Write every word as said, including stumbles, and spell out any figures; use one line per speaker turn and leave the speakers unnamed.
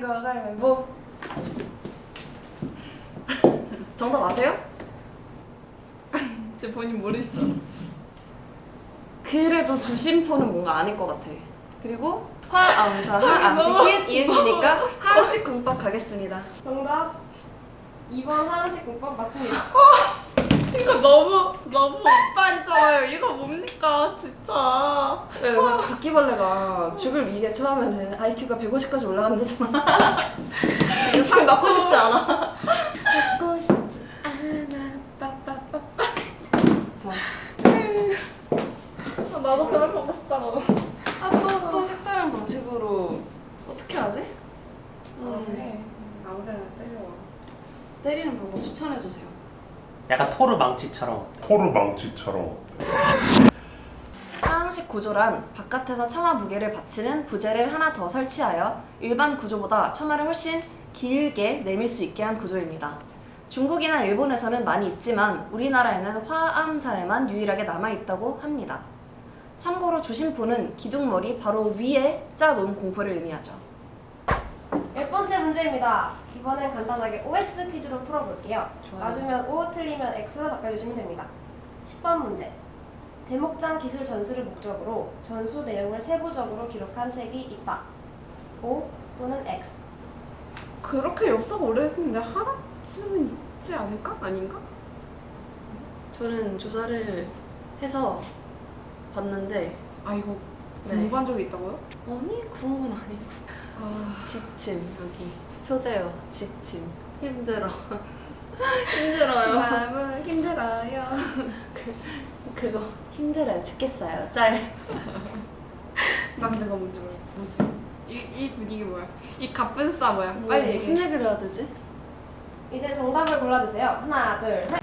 거 가위바위보. 정답 아세요?
이제 본인 모르시죠?
그래도 주심포는 뭔가 아닐 것 같아. 그리고 화암사, 화암시, 히읗, 이응이니까 하나씩 공법 가겠습니다.
정답 이 번 하나씩 공법 맞습니다.
이거 너무 너무 오빠잖아요. 이거 뭡니까 진짜.
왜, 왜 바퀴벌레가 죽을 위기에 처하면은 아이큐가 백오십까지 올라간다잖아. 이거 참 갖고 싶지 않아. 갖고 싶지 않아. 빠빠빠빠. 자.
아, 나도 그런 보고 싶다 너무.
아, 또, 또 색다른 방식으로 어떻게 하지?
음. 아무데나 때려.
때리는 방법 추천해주세요.
약간 토르 망치처럼.
토르 망치처럼.
하항식 구조란 바깥에서 처마 무게를 받치는 부재를 하나 더 설치하여 일반 구조보다 처마를 훨씬 길게 내밀 수 있게 한 구조입니다. 중국이나 일본에서는 많이 있지만 우리나라에는 화암사에만 유일하게 남아있다고 합니다. 참고로 주심포는 기둥머리 바로 위에 짜놓은 공포를 의미하죠.
열 번째 문제입니다. 이번엔 간단하게 오엑스 퀴즈로 풀어볼게요.
좋아요.
맞으면 O, 틀리면 X로 답해주시면 됩니다. 십 번 문제. 대목장 기술 전수를 목적으로 전수 내용을 세부적으로 기록한 책이 있다. O 또는 X.
그렇게 역사가 오래됐는데 하나쯤은 있지 않을까? 아닌가?
저는 조사를 해서 봤는데
아 이거
네.
공부한 적이 있다고요?
아니 그런 건 아니고
아
지침 여기 표제요 지침 힘들어 힘들어요
마음은 힘들어요.
그, 그거 힘들어요 죽겠어요 짤.
난 내가 뭔지 모르. 뭐지? 이, 이 분위기 뭐야? 이 가쁜 싸 뭐야?
뭐,
빨리
무슨
얘기해.
얘기를 해야 되지?
이제 정답을 골라주세요. 하나, 둘, 셋.